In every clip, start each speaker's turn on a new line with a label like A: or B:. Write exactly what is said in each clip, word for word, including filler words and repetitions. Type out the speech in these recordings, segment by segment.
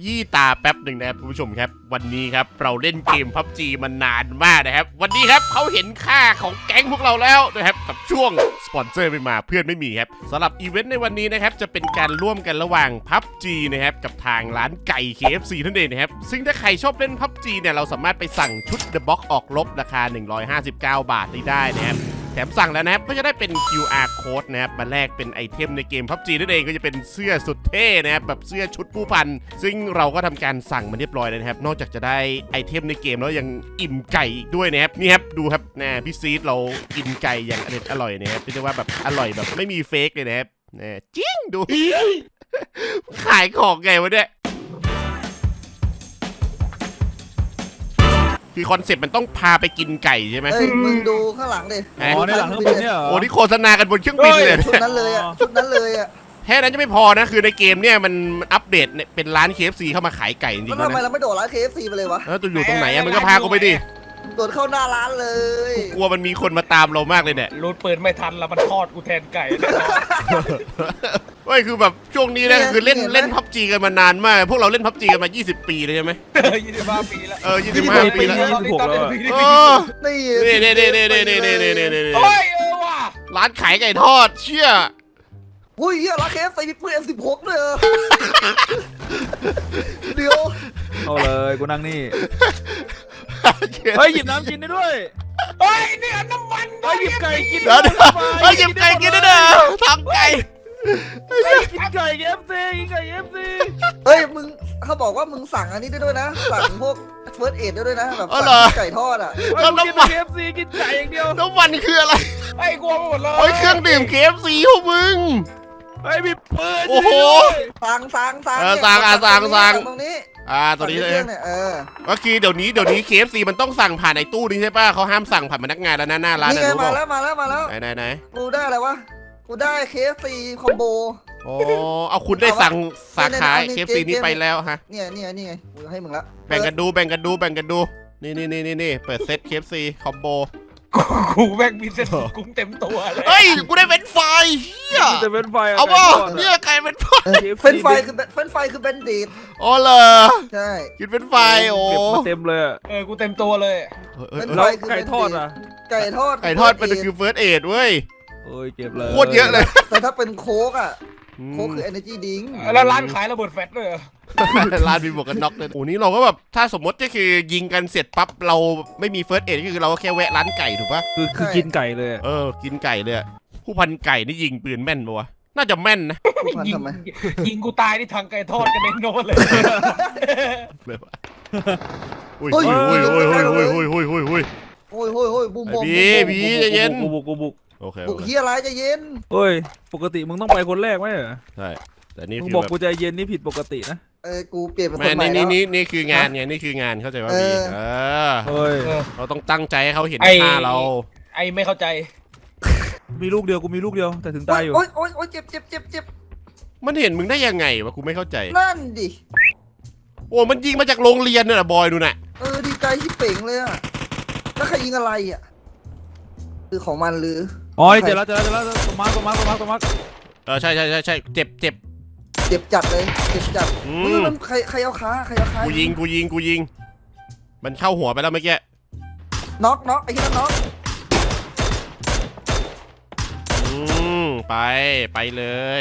A: ยี่ตาแป๊บหนึ่งนะครับคุณผู้ชมครับวันนี้ครับเราเล่นเกม พับจี มานานมากนะครับวันนี้ครับเขาเห็นค่าของแก๊งพวกเราแล้วนะครับกับช่วงสปอนเซอร์ไม่มาเพื่อนไม่มีครับสำหรับอีเวนต์ในวันนี้นะครับจะเป็นการร่วมกันระหว่าง พับจี นะครับกับทางร้านไก่ เค เอฟ ซี นั่นเองนะครับซึ่งถ้าใครชอบเล่น พับจี เนี่ยเราสามารถไปสั่งชุด The Box ออกรบราคาหนึ่งร้อยห้าสิบเก้าบาทได้นะครับแถมสั่งแล้วนะครับก็จะได้เป็น คิว อาร์ Code นะครับมาแลกเป็นไอเทมในเกม พับจี นั่นเองก็จะเป็นเสื้อสุดเท่นะครับแบบเสื้อชุดผู้พันซึ่งเราก็ทำการสั่งมาเรียบร้อยแล้วนะครับนอกจากจะได้ไอเทมในเกมแล้วยังอิ่มไก่อีกด้วยนะครับนี่ครับดูครับนะพี่ซีดเรากินไก่อย่างอร่อยอร่อยนะครับเรียกว่าแบบอร่อยแบบไม่มีเฟกเลยนะครับนะจริงดู ขายของไงวะเนี่ยคือคอนเซ็ปต์มันต้องพาไปกินไก่ใช่ไหม
B: เฮ้ยมึงดูข้างหลังดิ
C: อ๋อในหลังเครื่องบินเนี่ยเหรอ
A: โอ้นี่โฆษณากันบนเครื่องบินเลย
B: ชุดนั้นเลยอ่ะชุดนั้นเลยอ่ะ
A: แค่นั้นจะไม่พอนะคือในเกมเนี่ยมันอัปเดตเป็นร้าน เค เอฟ ซี เข้ามาขายไก่จริงๆ
B: แล้ว
A: นะ
B: ทำไมเราไม่โดดร้าน เค เอฟ ซี ไปเลยวะ
A: แล้วตัวอยู่ตรงไหนอะมึงก็พากูไปดิ
B: โดดเข้าหน้าร้านเลย
A: กลัวมันมีคนมาตามเรามากเลยเนี่ย
C: รูดปืนไม่ทันแล้วมันทอดกูแทนไก่
A: เฮ้ยคือแบบช่วงนี้นะคือเล่นเล่น พับจี กันมานานมากพวกเราเล่น พับจี กันมายี่สิบปีเลยใช่ไหม
C: ยี่สิบห้าปีแล้ว
A: เออยี่สิบห้าปีแล้ว
C: ยี่สิบหกแล้ว
A: เออ
B: นี่
A: นี่นี่นี่นี่นี่นี่นี่นี่นี่
C: โอ้ยเออว่ะ
A: ร้านขายไก่ทอดเชี่ย
B: อุ้ยเฮียร้าน เค เอฟ ซี มีปืน เอ็ม สิบหก เลยเหรอเดี๋ยว
D: เอาเลยกูนั่งนี่เฮ้ยหยิบน้ำกินได้ด้วย
C: เฮ้ยเนี่ยน้ำมันด้วย
D: หยิบไก่กิน
A: เดี๋ยวเดี๋ยวเฮ้ยหยิบไก่กินได้เด้อทำไก่
D: กินไก่เอฟซีกินไก่เอฟซี
B: เฮ้ยมึงเขาบอกว่ามึงสั่งอันนี้ได้ด้วยนะสั่งพวกเฟิร์สเอดได้ด้วยนะแบบสั่งไก่ทอดอ่ะ
A: แล้วน้ำมัน
D: เอฟซีกินไก่อย่างเดียว
A: น้ำมันคืออะไร
C: ไอ้กลัวไปหมดเลย
A: เฮ้ยเครื่องดื่ม เค เอฟ ซี พวกมึง
D: เฮ้ยมีปืน
A: โอ้โห
B: สั่งสั่งสั่ง
A: เออสั่งอ่ะสั่งสั่ง
B: ตรงนี้
A: อ่าตัวนี้เลย
B: เนี่ยเออ
A: ก็คือเดี๋ยวนี้เดี๋ยวนี้ เค เอฟ ซี มันต้องสั่งผ่านไอ้ตู้นี้ใช่ป่ะเขาห้ามสั่งผ่านพนักงานแล้วนะหน้าร้าน
B: นี่
A: นะ
B: ไง
A: รู้
B: มา
A: ป่ะ
B: แล้วมาแล้วมาแล้ว
A: ไหนไหนไหน
B: กูได้อะไรวะกูได้ เค เอฟ ซี คอมโบ
A: โอ้เอาคุณได้สั่งสาขา
B: เนี่ย
A: เค
B: เนี่ย
A: เอฟ ซี นี้ไปแล้วฮะ
B: เนี่ยเนี่ยนี่ไงกูให้มึงละ
A: แบ่งกันดูแบ่งกันดูแบ่งกันดูนี่นี่นี่นี่นี่เปิดเซต เค เอฟ ซี คอมโบ
C: กูแม่งมีเส้นกุ้งเต็มตัวเลย
A: เฮ้ยกูได้เป็นไฟเฮีย
D: จะเป็นไฟ
A: เอาป่ะเนี่ยไก่เป็นไฟ
B: เฟรนช์ไฟคือเฟรนช์ไฟคือเบนเดด
A: อ๋อเหรอ
B: ใช่
A: กินเป็นไฟโอ้
D: เก็บมาเต็มเลย
C: เออกูเต็มตัวเลย
A: เอ้ย
D: แล้วไก่ทอดอ่ะ
B: ไก่ทอด
A: ไก่ทอดมันคือเฟิร์สเอดเว้ย
D: โอ้ยเก็บเลย
A: โคตรเยอะเลย
B: แต่ถ้าเป็นโค้กอ่ะโค้กคือ energy drink
C: แล้วร้านขายระเบิดแฟตด้วยเหรอ
A: ร้านมีหมวกกันน็อกเลยโอ้นี่เราก็แบบถ้าสมมติก็คือยิงกันเสร็จปั๊บเราไม่มีเฟิร์สเอดก็คือเราก็แค่แวะร้านไก่ถูกปะ
D: คือคือกินไก่เลย
A: เออกินไก่เลยอะผู้พันไก่นี่ยิงปืนแม่นปะวะน่าจะแม่นนะ
B: มัน
C: ยิง
B: ทำไม
C: ยิงกูตายที่ทางไก่ทอดกันเด็นโน่นเลย
A: เลยวะอุ้ยอุ้ยอุ้ยอุ้ยอุ้ยอุ้ยอุ้ยอุ้ยอุ้ย
B: โอ้ยโอ้ยโอ้ยบูมบูม
A: พี่พี่ใจเย็น
D: กูบุกกูบุก
A: โอเค
B: บุกเฮียอะไรจะเย็น
D: เฮ้ยปกติมึงต้องไปคนแรกไหมเหรอ
A: ใช่แต่นี่
D: มึง
A: คือ
D: บอก
A: แบบ
D: กูใจเย็นนี่ผิดปกตินะ
B: เออกูเปลี่ยนเป็นค
A: แม่
B: นใหม่
A: นี่
B: แล้ว
A: นี่นี่คืองานไงนี่คืองานเข้าใจว่าพี่เออ
D: เฮ้ย
A: เราต้องตั้งใจให้เขาเห็น
C: ไอ้
A: ค่าเรา
C: ไอ้ไม่เข้าใจ
D: มีลูกเดียวกูมีลูกเดียวแต่ถึงตายอยู่
B: โอ้ยโอ้ยโอ้ยเจ็บเจ็บเจ็บเจ็บ
A: มันเห็นมึงได้ยังไงวะกูไม่เข้าใจ
B: นั่นดิ
A: โอ้มันยิงมาจากโรงเรียนเนี่ยบอยดูน่ะ
B: เออดีใจที่เป่งเลยอ่ะแล้วใครยิงอะไรอ่ะคือของมันหรือ
D: อ๋อเจอแล้วเจอแล้วเจอแล้วตัวมาร์คตัวมาร์คตัวมาร์คตัวมาร์ค
A: เออใช่ใช่ใช่ใช่เจ็บเจ็บ
B: เจ็บจัดเลยเจ็บจัด
A: อื
B: อุ้ย
A: ม
B: มันใครใครเอาขาใครเอาขา
A: กูยิงกูยิงกูยิง มันเข้าหัวไปแล้วเมื่อกี้
B: น็อกน็อกไอ้ที่นั่นน็อก
A: อืมไปไปเลย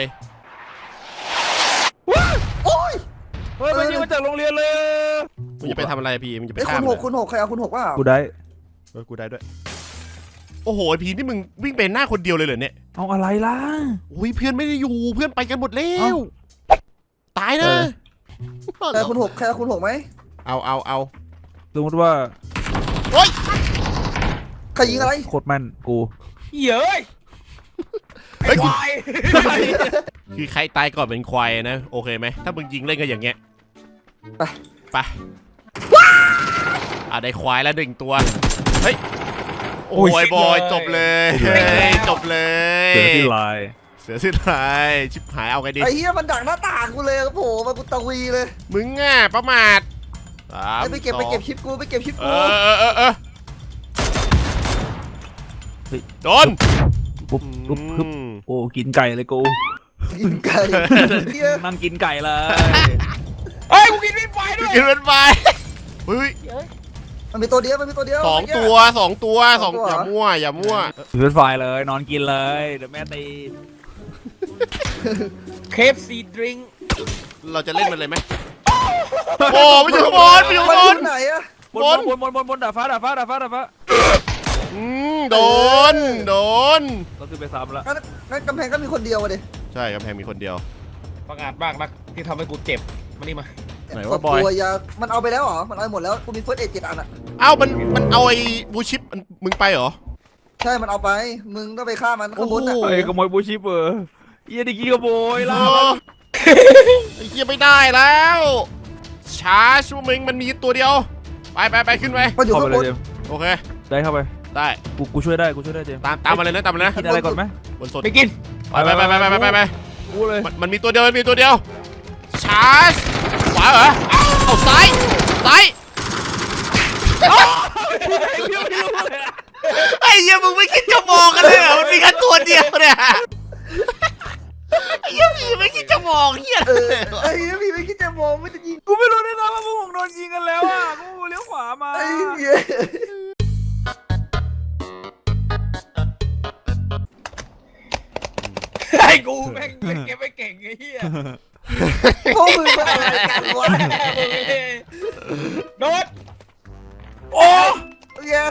B: โอ้ย
D: เฮ้ยมันยิงมาจากโรงเรียนเลย
A: มึงจะไปทำอะไรพี่มึงจะไป
B: ไอ้ย
A: ฆ่า
B: คุณ
A: มัน
B: หกคุณหกใครเอาคุณหกว่า
D: กูได้
A: เออกูได้ด้วยโอ้โหไอ้พีนี่มึงวิ่งไปหน้าคนเดียวเลยเหรอเนี่ย
D: เอาอะไรล่ะ
A: อุ้ยเพื่อนไม่ได้อยู่เพื่อนไปกันหมดแล้ว
D: เอ้า
A: ตายนะ
B: ใครเอาคุณหกใครเอาคุณหกไหม
A: เอาเอาเอา
D: สมมติว่า
A: โอ้ย
B: ใครยิงอะไร
D: โคตรแม่นกู
C: เย้ย
A: เฮ้ย
C: ควาย
A: คือใครตายก่อนเป็นควายนะโอเคไหมถ้ามึงยิงเล่นกันอย่างเงี้ย
B: ไป
A: ไปอ่ะได้ควายแล้วหนึ่งตัวเฮ้ยโอ้ยบอยจบเลยเฮ้ยจบเลย
D: เสือที่ลาย
A: เสือสิ้นลายชิบหายเอาไงดี
B: ไอ้เหี้ยมันดักหน้าต่างกูเลยโอ้โหมากูตะวีเลย
A: มึงอ่ะประมาทสาม
B: ไอ้ไปเก็บ
A: สอง
B: ไปเก็บชิปกูไปเก็บชิป
A: เอ
B: กู
A: อเออเออเออโดน
D: ปุ๊บปุ๊บปุ๊บโอ้กินไก่เลยกู
B: กินไก่เหี้ย
D: นั่งกินไก่เลย
C: เฮ้ยกูกินวินไฟด้วย
A: กินเป็นไฟเฮ้ย
B: มันมีตัวเดียวมันมีตัวเดียว
A: สองตัวสองตัวสอง
B: สองตัว
A: อย่ามั่วอย่ามั่ว
D: ถือไฟเลยนอนกินเลยเดี๋ยวแม่ตี
C: เคฟซีดริง
A: เราจะเล่นมันเลยไหมโอ้ไม่อยู่ข้างบนไม่อยู่
B: มัน
A: ข้าง
B: อบ
A: น
B: ยู่ไหนอะ
D: บนบนบนบนบนดาดฟ้าดาดฟ้าดาดฟ้าดาดฟ้า
A: อืมโดนโดน
D: เราคือไปซ้ำแล้ว
B: งั้นงั้นกำแพงก็มีคนเดียวอะดิ
A: ใช่กำแพงมีคนเดียว
C: ประกาศบ้างนักที่ทำให้กูเจ็บมานี่มา
A: ไหนว่าบอย
B: ตัวยามันเอาไปแล้วเหรอมันเอาไปหมดแล้วกูมีเฟิร์สเอดเจ็ดอันอะ
A: เอ้ามันมันเอาไอ้บูชิปมันมึงไปเหรอ
B: ใช่มันเอาไปมึงต้องไปฆ่ามันข้างบนอะ
A: โอ้โห
D: เอ้ยขโมยบูชิปเออเยี่ยดิกี้ขโมย
A: เอ
D: ล่ะ
A: อไอ้เหี้ยไม่ได้แล้วชาร์จมึงมันมีตัวเดียวไปไปไปขึ้นไป
B: มันอยู่
D: เข้า
B: ข้า
D: ไป
B: ง
D: เล
B: บ
D: ย
B: น
D: เจมส์
A: โอเค
D: ได้เข้าไป
A: ได้
D: กูกูช่วยได้กูช่วยได้เจมส์
A: ตามตามมาเลยนะตามมาเลยนะ
D: กินอะไรก่อนไหม
A: บนสด
C: ไปกิน
A: ไปไปไปไปไปไปไป
D: กูเลย
A: มันมันมีตัวเดียวมันมีตัวเดียวชาร์จขวาเหรอเอาซ้ายซ้ายไอ้เหี้ยมึงไม่คิดจะมองกันเลยเหรอมันมีแค่ตัวเดียวเนี่ยไอ้เหี้ยพี่ไม่คิดจะมองเหี้ย
B: เออไอ้เหี้ยพี่ไม่คิดจะมองไม่จะยิง
D: กูไม่รู้ด้วยนะว่าพวกผมโดนยิงกันแล้วอ่ะกูเลี้ยวขวามา
B: ไอ้เหี้ย
C: ไอ้กูแม่งเล่นเกมไม่เก่งไอ้เหี้ย
B: พวกมึงเป็นอะไรกันวะ
C: โดด
B: โอ้เหี้ย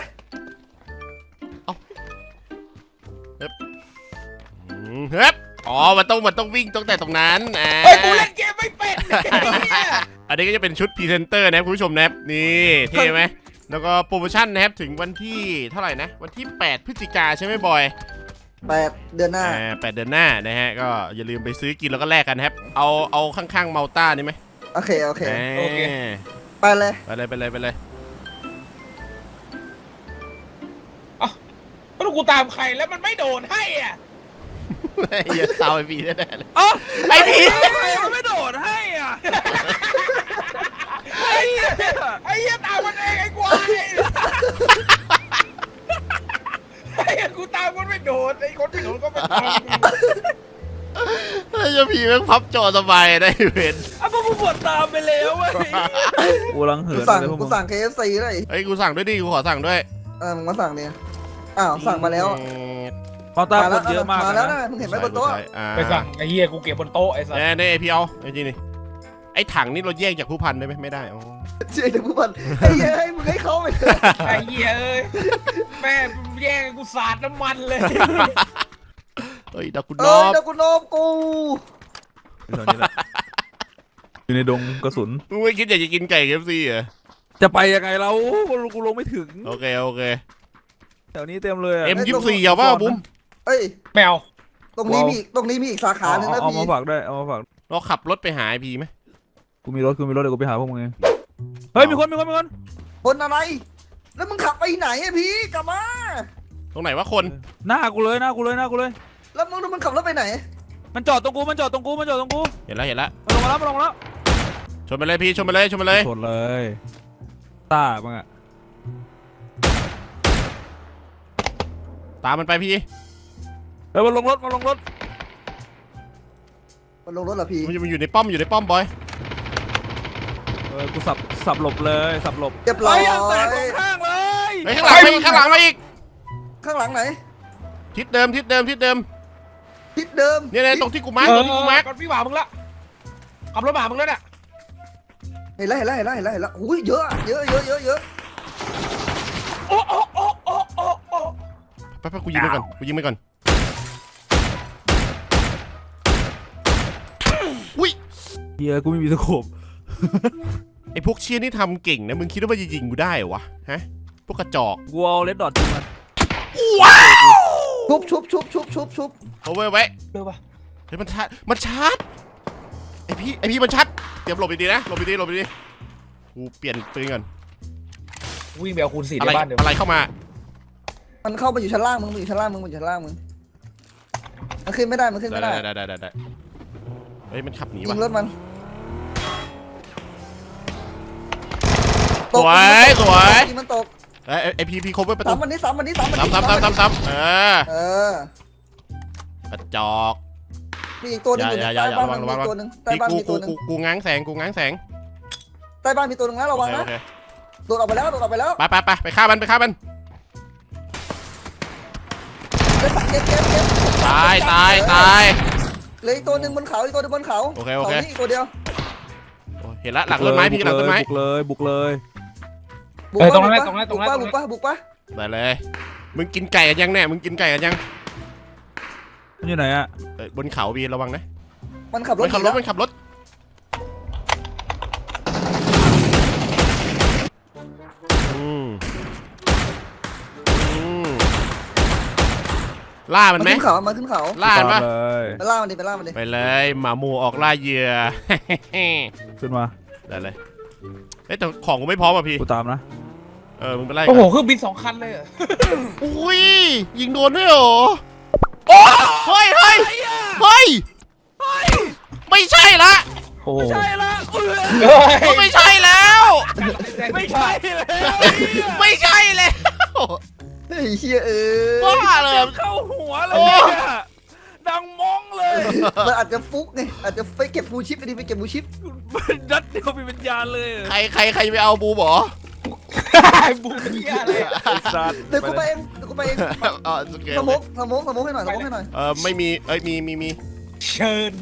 A: อืมเฮ้ยอ๋อมันต้องมันต้องวิ่งตั้งแต่ตรงนั้นอ่า
C: ไอ้กูเล่นเกมไม่เป็นไอ้เหี้ย
A: อันนี้ก็จะเป็นชุดพรีเซนเตอร์นะครับคุณผู้ชมนะครับนี่เท่ไหมแล้วก็โปรโมชั่นนะครับถึงวันที่เท่าไหร่นะวันที่แปดพฤศจิกาใช่ไหมบอย
B: แปดเดือนหน้า
A: อ่าแปดเดือนหน้านะฮะก็อย่าลืมไปซื้อกินแล้วก็แลกกันนะครับเอาเอาข้างๆเมาต้านี่ไหม
B: โอเคโอเค
A: อ่า
B: ไปเลย
A: ไปเลยไปเลยไปเลย
C: แล้วกูตามใครแล้วมันไม่โดนให้อ่ะ
A: ไอ้เหี้ยเศร้าไอ้พีแน่ๆเลย
D: อ๋อ
A: ไอ้พี
D: ทำไมมันไม่โดดให้อ่ะ
C: ไอ้เหี้ยไอ้เหี้ยตามมันเองไอ้ควายไอ้เหี้ยกูตามมันไม่โดนไอ้คนไม่โดนก็ไม่ตาม
A: ไอ้เหี้ยพีแม่งพับจอสบายได้เว้น
D: อ่ะพวกมึงปวดตามไปแล้วเว้ยกูรังเหิ
B: กู
D: น
B: สั่ง
D: เลยพวก
B: กู
D: มึง
B: สั่ง เค เอฟ ซี เลย
A: เฮ้ยกูสั่งด้วยดิกูขอสั่งด้วย
B: เออมึงมาสั่งเนี่ยอ้าวสั่งมาแล้ว
D: พอตา
B: มา
D: ค
B: แล้ว
D: นเยอะมาก
B: มาแล้ว
D: นะ
B: นะมึงเห็นไหมบนโต๊ะ
A: ใช่อ่า
C: ไปสั่งไอ้เหี้ยกูเก็บบนโต๊ะไอ้สัส
A: เนี่ยเนี่ยพี่เอาไอ้จีนี่ไอ้ถังนี่เราแยกจากผู้พันได้ไหมไม่ได้อ๋อ
B: เจ๊เด็กผู้พันไอ้เหี้ยให้มึงให้เขาไปเถอะ
C: ไอ้เหี้ยเอ้ยแม่แย่งกูสาดน้ำมันเลย
A: เฮ้ยดากุน
B: เอ้
A: นอย บ
B: เดี๋ยวกูโนมกู
D: อยู่แถวนี้แหละอยู่ในดงกระสุน
A: มึงไม่คิดอยากจะกินไก่เคฟซีเหรอ
D: จะไปยังไงเรากูลงไม่ถึง
A: โอเคโอเค
D: แถวนี้เต็มเลยอะ
A: เอ็มยี่สิบสี่เอาป่ะบุ้ม
B: เอ้ย
C: แมว
B: ตรงนี้มีอีกตรงนี้มีอีกสาขาหนึ่ง
D: เอา
B: นะ
D: เอา
B: พี่
D: มาฝากด้วยเอามาฝาก
A: เราขับรถไปหาไอพีไหม
D: กูมีรถกูมีรถเดี๋ยวกูไปหาพวกมึงเองเฮ้ยมีคนมีคนมีคน
B: คนอะไร แล้วมึงขับไปไหนอะพี่กลับมา
A: ตรงไหนวะคน
D: หน้ากูเลยหน้ากูเลยหน้ากูเลย
B: แล้วมึงมึงขับรถไปไหน
D: มันจอดตรงกูมันจอดตรงกูมันจอดตรงกู
A: เห็นแล้วเห็นแล้ว
D: มันลงมาแล้วมันลงมาแล้ว
A: ชนไปเลยพี่ชนไปเลยชนไปเลย
D: ชนเลยตาบ้างอะ
A: ตามมันไปพี่
D: เฮ้ยมันลงรถมันลงรถ
B: มันลงรถเหรอพี่
A: มันอยู่มันอยู่ในป้อมอยู่ในป้อมบอย
D: เออกูสับสับหลบเลยสับหลบ
B: เรียบร้อย
D: เฮ้ยางแตกสองข้างเลย
A: เฮ้ยข้างหลังมาอีกข้างหลังมาอีก
B: ข้างหลังไหน
A: ทิศเดิมทิศเดิมทิศเดิม
B: ทิศเดิม
A: เนี่ยเนี่ยตรงที่กูมาร์ค
C: เอ
A: ตร
C: อง
A: ที่กูมาร์ค
C: ก่อนพี่หมามึงละขับรถหมามึงแล้วเนี่ย
B: เห็นแล้วเห็นแล้วเห็นแล้วเห็นแล้วเห็นแล้วอุ้ยเยอะอะเยอะเยอะเยอะเยอะ
C: โอ้โอ้โอ้โอ้โอ้โอ้
A: ไปไปกูยิงไปก่อนกูยิงไปก่อนอุ้ย
D: เฮียกูไม่มีสโคป
A: ไอพวกเชียนี่ทำเก่งนะมึงคิดว่ามันจะยิงกูได้เหรอวะฮะพวกกระจอก
D: กูเอาเลดดอทยิงมัน
A: ว้าว
B: ชุบชุบชุบชุบชุบชุบ
A: เอาไว้ไว้
C: เร็วปะ
A: เฮ้ยมันชาร์จมันชาร์จไอพี่ไอพี่มันชาร์จเตรียมหลบดีๆนะหลบดีๆหลบดีๆกูเปลี่ยนปืนก่อน
C: วิ่งไปเอาคูณสี่
A: อะ
C: ใน
A: ไร
C: บ้านเดี๋ยว
A: อะไรเข้ามา
B: มันเข้ามาอยู่ชั้นล่างมึงมันอยู่ชั้นล่างมึงมันอยู่ชั้นล่างมึงมันขึ้นไม่ได้มันขึ้น
A: ได้
B: ไม่ได้
A: ได้ได้ได้ได้เฮ้ยมันขับหนี
B: ยิ
A: ว่ะ
B: งรถมัน
A: สวยสวย
B: ยิงมันตก
A: ไอไอพีพีคบไว้ประตู
B: สามวันนี้สามวันนี้สามวันนี้
A: ซ้ำซ้ำซ้ำซ้ำซ้ำเออ
B: เออก
A: ระจอก
B: มีอีกตัวหนึงอยู่
A: อย่า
B: ใน
A: อย่า
B: ใต้
A: อย่า
B: บ้าน
A: ระวั
B: มัน
A: งระวัง
B: มีตัวหนึงใต้
A: พี่
B: บ้าน
A: กู
B: มี
A: กู
B: ตัวหนึง
A: กูกูง้างแสงกูง้างแสง
B: ใต้บ้านมีตัวนึงนะระวังนะ
A: โอเค
B: โดดออกไปแล้วโดดออกไปแล้ว
A: ไปไปไปไปฆ่ามันไปฆ่ามัน
B: เก็บเก็บเก็บเก็บ
A: ตายตายตาย
B: เหลยตัวหนึ่งบนเขาอีกตัวหนึงบนเขา
A: โอเคโอเค
B: ขานี่อีกตัวเดียว
A: โอ้เห็นละหลังต้นไม้พี่หลังต้นไม้
D: บุกเลยบุกเลย
B: บุก
C: เออ
B: ปะ
C: ตรงนั้น
B: บุกปะ
C: ตรงนั้นตรงนั้น
B: บุกปะบุกปะ
A: ได้เลยมึงกินไก่กันยังแน่มึงกินไก่กันยัง
D: มันอยู่ไหนอะ
A: เอ้ยบนเขาบีระวังนะ
B: มันขับร
A: มั
B: ถ
A: นขับรถมันขับรถอืมอืมล่ามันไหม
B: ขึ้นเขามาขึ้นเขา
A: ล่ามันปะ
D: ตามเลย
B: ไปล่ามันดิไปล่ามันดิ
A: ไปเลยหมาหมูออกล่าเหยื่อ
D: ขึ้นมา
A: ได้เลยเอ้ยแต่ของกูไม่พร้อมอ่ะพี่
D: กูตามนะ
A: เออมึงไปไล่
C: โอ้โห
A: กัน
C: เครื่องบินสองคันเลยเหรอ
A: อุ้ยยิงโดนด้วยเหรอโอ้เฮ้ยเฮ้ยเฮ้ยไม่ใช่ละ
D: โอ้โห
A: ก็ไม่ใช่แล้ว
C: ไม่ใช่เลย
A: ไม่ใช่แล้ว
B: เฮ้ยเฮียเออ
A: บ้าเลย
C: เข้าหัวเลยเนี่ยดังมองเลย
B: มันอาจจะฟุกไงอาจจะไปเก็บฟูชิปไปดิไปเก็บฟูชิป
C: นัดเดียวมีวิญญาณเลย
A: ใครใครใครไปเอาบูบเหรอ
C: บูเฮียเลย
D: ไอ้สัตว์
B: เดี๋ยวกูไปเองเดี๋ยวกูไปเอง
A: เออโอเค
B: สมกสมกสมกให้หน่อยสมกให้หน่อย
A: เออไม่มีเอ้ยมีมีมี
C: เชิญ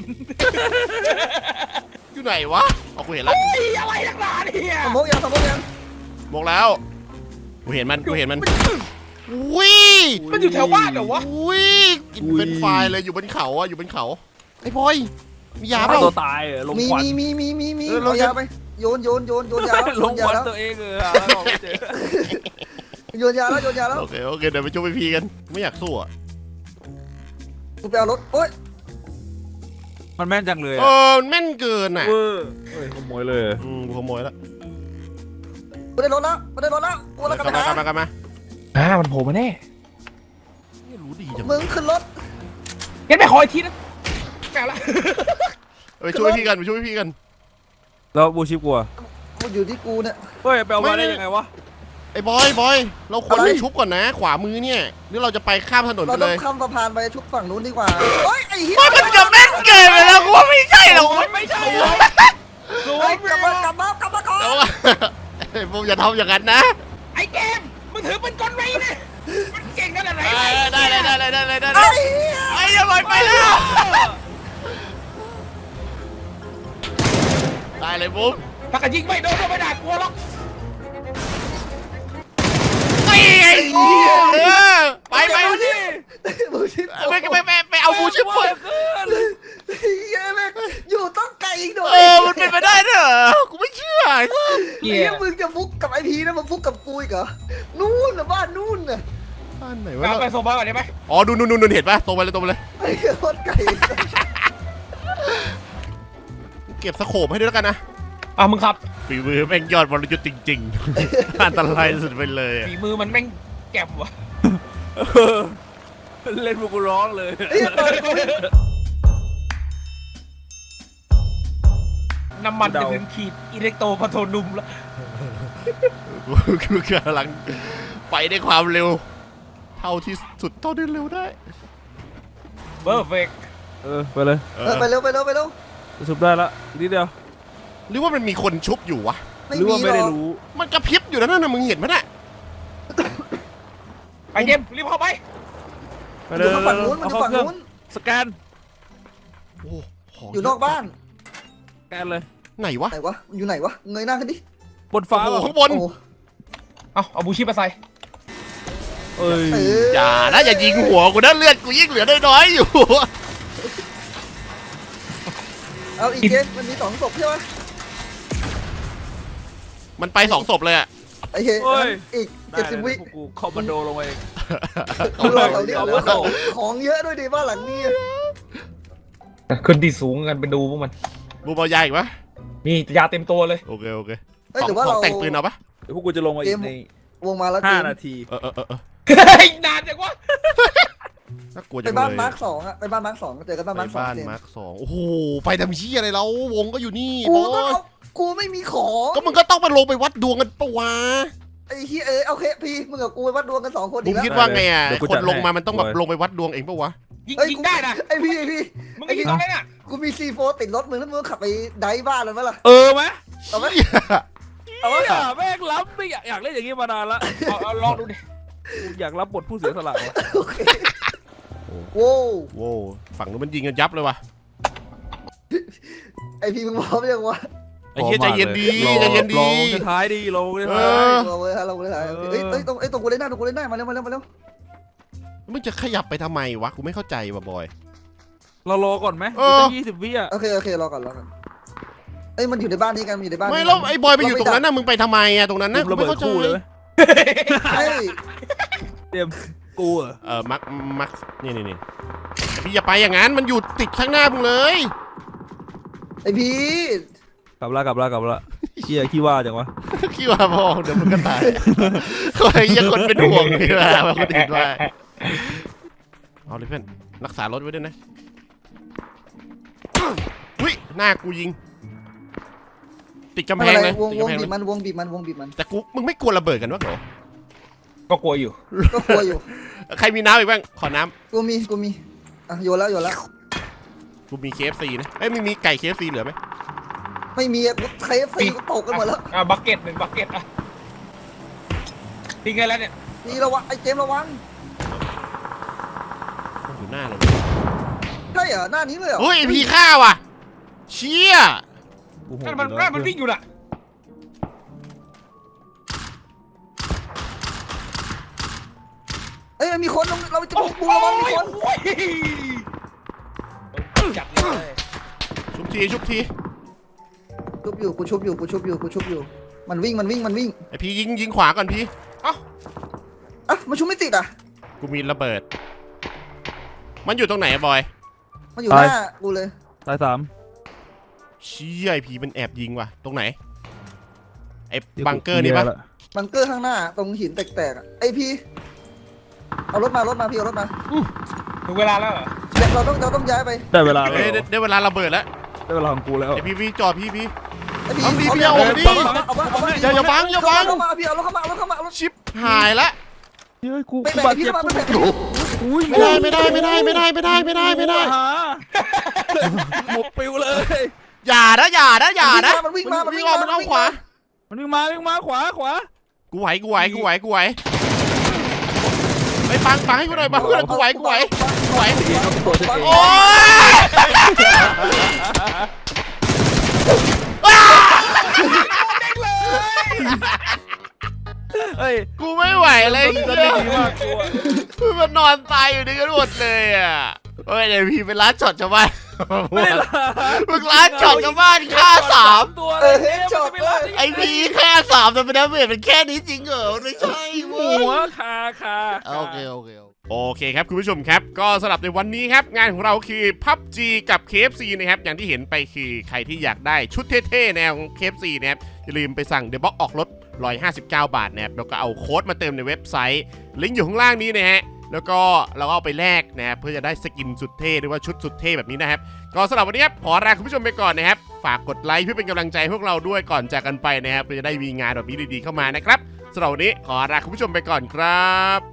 A: อยู่ไหนวะเอากูเห็นแล้ว
C: เฮ้ยอะไรนักหนาเนี่ย
B: สมกยังสมกยัง
A: มองแล้วกูเห็นมันกูเห็นมันอุ้ย
C: มันอยู่แถวบ้านเหรอวะ
A: อุ้ยกินเป็นไฟเลยอยู่บนเขาอะอยู่บนเขาไอ้บอยมียาเปล่า
D: ตัวตายเหรอลง
B: มี
D: ควัน
B: มีมีมีมีมี
A: เออเรา
B: เอา
A: จะ
B: ยาไปโยนโยนโยนโยนยาแล้ว
D: ล
B: โย
D: ง
B: น
D: ค
B: ยา
D: วัน
B: แล้ว
D: ตัวเองเออหาของไม่เจอ
B: โยนยาแล้วโยนยาแล้ว
A: โอเคโอเคเดี๋ยวไปช่วยพี่กันไม่อยากสู้อะ
B: กูไปเอารถโอ๊ย
D: มันแม่นจังเลย
A: เอ
D: อะ
A: อมันแม่นเกินอะ
D: เวอร์เฮ้ยขโมยเลย
A: อืมกูขโมยแล้ว
B: กูได้รถแล้วกูได้รถแล้วกูแล้ว
A: ก
B: กลั
A: ลั
B: บบ ไป
A: มา
B: หาก
A: ลับมากลับมา
C: อ่ามันโผล่มาแน่
A: ไม่รู้ดีจัง
B: มึงขึ้นรถ
C: งั้นไปขออีกทีนะแกละ
A: ไปช่วยพี่กันไปช่วยพี่กัน
D: แล้วบูชิปกูอะ
B: มันอยู่ที่กูเนี่ย
D: เฮ้ยไปเอามาได้ยังไงวะ
A: ไอ้บอยบอยเราควร
B: อะไร
A: ไปชุบก่อนนะ ขวามือเนี่ยหรือเราจะไปข้ามถนน
B: เรา
A: ไป
B: ต้
A: เล
B: อง
A: ย
B: ข้ามสะพานไปชุบฝั่งนู้นดีกว่าโอ๊ยไอ้เหี้ย
A: มันจะแม่นเกินไปแล้วกูว่าไม่ใช่หรอก
C: ไม่ใช่
B: เฮ้ยกลับมากลับมากลับมาก่อน
A: แต่ว่าไอ้พวกอย่าทำอย่างนั้นนะ
C: ไอ้เกมมึงถือเป็นกลไว้เนี่ยมันเก่งขนาดไหน
A: ได้เลยได้เลยได้เลยได้เลยได้เล
B: ไอ้
A: ย
B: เหี้ย
A: ไอ้ยังลอยไปแล้วได้เลยบุ๊ม
C: ถ้ากระยิงไม่โดนก็ไม่ได้กลัวหรอก
A: ไอ้ไอ้เออไปไป
B: บูชิป
A: ไปไปไปไปเอาบูชิปก่อน
B: เหี้ยแม่งอยู่ต้องไกลอีกหน่อย
A: เออมันเป็นไปได้เหรอกูไม่เชื่อ
C: เหี้
B: เหี้
C: ย
B: ยมึงจะฟุกกับไอพีนะมึงฟุกกับกูอีกเหรอนู่นน่ะบ้านนู่นน่ะ
A: บ้านไหน
C: เอา
A: วะ
C: ไปส่งมาก่อนได้ไหม
A: อ๋อดูนู่นนู่นเห็นปะตรงไปเลยตรงไปเลย
B: ไอ้เหี้ยโคตรไกล
A: เก็บสโคปให้ด้วยแล้วกันนะ
C: อ่ะมึงครับ
A: ฝีมือแม่งยอดวรยุทธ์จริงๆ อันตรายสุดไปเลยอะ
C: ฝีมือมันแม่งแก็บวะ
D: เล่นพวกกูร้องเลย
B: ไอ้เหี้ยเปิดกู
C: น้ำมันจะถึงขีดอิเล็กโตรพาโทนุมแล้ว
A: กูกูกำลังไปด้วยความเร็ว เท่าที่สุดเท่าที่เร็วได้
C: เบอร์เฟก
D: เออไปเลย
A: เอ
B: เออ
A: อ
B: ไปเร็วไปเร็วไปเร็ว
D: จะชุบได้ละอีกนิดเดียว
A: หรือว่ามันมีคนชุบอยู่วะ
B: ไม่
D: หรือ
B: มี
D: ว่า
B: ห
D: ไม่
B: ร
D: ได้
B: อก
D: รู้
A: มันกระพริบอยู่นะนั่นน่ะมึงเห็นไหมน่ะ
C: ไปเกมรีบเข้าไป
D: ไป
B: มัน
D: เล
B: อย ยู่ฝั่งนู้นมันอยู่ฝั่งนู้น
D: สแกน
A: โอ้ของ
B: อยู่นอกบ้าน
D: สแกนเลย
A: ไหนวะ
B: ไหนวะอยู่ไหนวะเงยหน้าขึ้นดิ
D: บนฟ้า
A: โอ้โห
D: เหรอ
A: ข้างบน
B: โอ้
C: เอาเอาบูชิปมาใส่
D: เอ้ย
B: เออ
A: อย่านะอย่ายิงหัวกูนะเลือดกูยิ่งเหลือน้อยๆอยู่
B: เอาอีกเกมมันมีสองศพใช่ไหม
A: มันไปสองศพเลยอะ
B: ไอ้เหี้ย
D: เฮ้ย
B: อีก
D: ได้
B: เจ็ดสิบ
D: เลย
B: วิ
D: พวกกูคอมมานโดลงไปเอง
B: กูรอเราดิเอาว่าของของเยอะด้วยดิบ้านหลังนี้
C: ขึ้นที่สูงกันไปดูพวกมัน
A: บูมเอายาอีกปะ
C: มียาเต็มตัวเลย
A: โอเคโอเค
B: เอ้ยหรือว่าเรา
A: แต่งปืนเอาปะ
D: เดี๋ยวพวกกูจะลงมาอีกใน
B: วงมาแล้วเก
D: ห้าม นาที
A: เออเออเออเออ
C: เฮ้ยนานจังวะ
A: น่ากลัวจั
B: ไป
A: ง
B: บ้าน
A: เลย
B: มาร์คสองอะไปบ้านมาร์คสองเจอกันบ้าน
A: ไป
B: มาร์คสอง
A: บ้าน
B: เจม
A: มาร์คสองโอ้โหไปทำเชี่ยอะไรเราวงก็อยู่นี่
B: กู
A: บ
B: ต้
A: อ
B: อง
A: ส
B: เอากูไม่มีของ
A: ก็มึงก็ต้องมาลงไปวัดดวงกันปะวะ
B: ไอ้เหี้ยเอ้ยเอาเคพี่มึงกับกูไปวัดดวงกันสองคน
A: บุ
B: อี
A: ม
B: กแล้ว
A: คิดว่าไงอ่ะ
D: เดี๋ยวกู
A: คน
D: จัด
A: ลงมา
D: ให้
A: มันต้องแบบ
D: เว้ย
A: ลงไปวัดดวงเองปะวะ
C: ยิง
B: เอ้ย
C: ยิง
B: กู
C: ได้นะ
B: ไอ้พี่ไอ้พี่
C: มึงก็ยิงตรงนั้นน่ะ
B: กูมีซีโฟติดรถมึงแล้วมึงขับไปไดฟ์บ้านเลยไหมล่ะ
D: เออไหม
B: เอาไหม
A: เหี้ย
B: เอาวะ
D: อย่าแม่งรับไม่อยากอยากเล่นอย่างนี้มานานละ
C: เอาเอาลองดูดิ
D: อยากรับบทผู้เสียสละวะ
B: โอเคโว้ว
A: โว้วฝั่งนู้นมันยิงกันยับเลยว่ะ
B: ไอพี่มึงพร้อมยังวะ
A: ไอ้เหี้ยใจเย็นดี
D: รอ
A: ใจเย็น
D: ล
A: ดี
D: องจะท้ายดีลองจะ
A: เอ
D: ท้าย
A: อ
B: เราเลยฮะเราเลยฮะเอ้ยเอ้ยตรงเอ้ยตรงกูเล่นได้ตรงกูเล่นได้มาเร็วมาเร็วมาเร็ว
A: มึงจะขยับไปทำไมวะกูไม่เข้าใจว่ะบอย
D: เรารอก่อนไหม
A: เออ
D: ตั้งยี่สิบวิอ่ะ
B: โอเคโอเครอก่อนรอก่อนเอ้ยมันอยู่ในบ้านนี้กันอยู่ในบ้าน
A: ไม่
B: นี้
A: แล้วไอ้บอยไปอยู่ตรงนั้นน่ะมึงไปทำไมอะตรงนั้นน่ะ
D: กู
A: กู
D: ระเบิ
A: ไม่
D: ด
A: เข้าใจ
D: คู่เลยไหม
B: เฮ้ย
D: เตรียมกูเหรอ
A: เออมักมักนี่นี่นี่พี่อย่าไปอย่างนั้นมันอยู่ติดข้างหน้ามึงเลย
B: ไอพี่
D: กลับละกลับละกลับละเชี่ยขี้ว่าจังวะ
A: คิดว่าพอเดี๋ยวมึงก็ตายคอยยังคนเป็นห่วงดีกว่าว่าคนอื่นว่าเอาเลยเพื่อนรักษารถไว้ด้วยนะอุ้ยหน้ากูยิง ติดกำ
B: ไม่
A: แพ
B: เป็
A: ง
B: นไร
A: เลยว
B: ง
A: ติด
B: วง
A: กำแพง
B: บี
A: เล
B: บ
A: ย
B: มันวงบีบมันวงบีบมัน
A: แต่กูมึงไม่กลัวระเบิดกันวะเหรอ
C: ก็กลัวอยู่
B: ก็กลัวอยู่
A: ใครมีน้ำอีกบ้างขอน้
B: กูมีกูมีอ่ะโยนแล้วโยนแล้ว
A: ำกูมี เค เอฟ ซี นะเอ้ยไม่มีไก่ เค เอฟ ซี เหลือไหม
B: ไม่มีอะใครฟีตกกันหมดแล้ว
C: อ่ะบักเก็ตหนึ่งบักเก็ตอ่ะทิ้งไงแล้วเนี่ย
B: นี่ระวังไอเจมส์ระวัง
A: มันอยู่หน้าเรา
B: ใช่เหรอหน้านี้เลยเหรอ
A: เฮ้ยไอ้พีฆ่าว่ะเชี่ย
D: กูโหด
C: นั่นมัน
D: อยู่แล้ว
C: นั่นมันวิ่งอยู่น่ะ
B: เอ้ยมันมีคนเราจะบุกบูระวังมีคน
C: โอ้ยจัดเลย
A: ชุบทีชุบที
B: ชุบอยู่กูชุบอยู่กูชุบอยู่กูชุบอยู่มันวิ่งมันวิ่งมันวิ่ง
A: ไอพียิงยิงขวาก่อนพี
B: อ่ะมันชุบไม่ติดอ่ะ
A: กูมีระเบิด มันอยู่ตรงไหนอะบอย
B: มันอยู่หน้ากูเลย
D: ตายสาม
A: เชี่ยไอพีมันแอบยิงว่ะตรงไหนไอบังเกอร์นี่ปะ
B: บังเกอร์ข้างหน้าตรงหินแตกๆอะไอพี่เอารถมารถมาพี่เอารถมา
C: ถึงเวลาแล้วเหรอ
B: เดี๋ยวเราต้องเราต้องย้ายไป
D: ได้เวลาแล้
A: เอ้ยว ได้ได้เวลาระเบิดแล้ว
D: ได้เวลาของกูแล้ว
A: ไอพีพีจอดพีพี
B: ไอพี่
A: เอาดิ
B: เอา
A: พี่เอาดิ
B: เอามาเอามา
A: อย่าอย่าบังอย่าบัง
B: เอามาพี่เอารถเข้ามาเอารถเข้ามาเอารถ
A: ชิปหายละ
D: เฮ้ยกู
B: ไม่
D: กู
B: แบ่ง
D: บาด
B: พี่
D: เจ็บ
B: เข้ามาไม่แบ่ง
D: อุ้ย
A: ไม่ได้ไม่ได้ไม่ได้ไม่ได้ไม่ได้ไม่ได้ไม่ได้
D: หาหมกปิวเลย
A: อย่านะอย่านะอย่านะ
B: มันวิ่งมามันวิ่ง
A: อ
B: มา
A: อกมันเอาขวา
D: มันวิ่งมาวิ่งมาขวาขวา
A: กูไหวกูไหวกูไหวกูไหวไปฟังฟังให้กูหน่อยมาเพื่อนกูไหวกูไหวกูไหวโอ้ย
D: เฮ้ย
A: กูไม่ไหวเลย
D: จะ
A: เหี้
D: ดี
A: ย
D: มากกูอะ
A: มันนอนตายอยู่นี่กันหมดเลยอ่ะเฮ้ยเดี๋ยวพี่ไปร้านช็อตชาวบ้าน
D: ไม่ได้ละ
A: มึงร้านช็อตชาวบ้านฆ่าสาม
D: ตัว
B: เอ
D: เลย
B: อเฮดช็อตเลย
A: ไอพีฆ่าสามแต่เป็นดาเมจเป็นแค่นี้จริงเหรอไม่ใช่เว้
D: หัวย คาคา
A: โอเคโอเคโอเคครับคุณผู้ชมครับก็สำหรับในวันนี้ครับงานของเราคือ พับจี กับ เค เอฟ ซี นะครับอย่างที่เห็นไปคือใครที่อยากได้ชุดเท่ๆแนวของ เค เอฟ ซี นะครับอย่าลืมไปสั่งเดอะบ็อกออกรถหนึ่งร้อยห้าสิบเก้าบาทนะครับแล้วก็เอาโค้ดมาเติมในเว็บไซต์ลิงก์อยู่ข้างล่างนี้นะฮะแล้วก็เราก็เอาไปแลกนะครับเพื่อจะได้สกินสุดเท่หรือว่าชุดสุดเท่แบบนี้นะครับก็สำหรับวันนี้ครับขอลาคุณผู้ชมไปก่อนนะครับฝากกดไลค์เพื่อเป็นกำลังใจให้พวกเราด้วยก่อนจากกันไปนะครับเพื่อจะได้มีงานแบบนี้ดีๆเข้ามานะครับสำหรับวันนี้ขอลาคุณผู้ชมไปก่อนครับ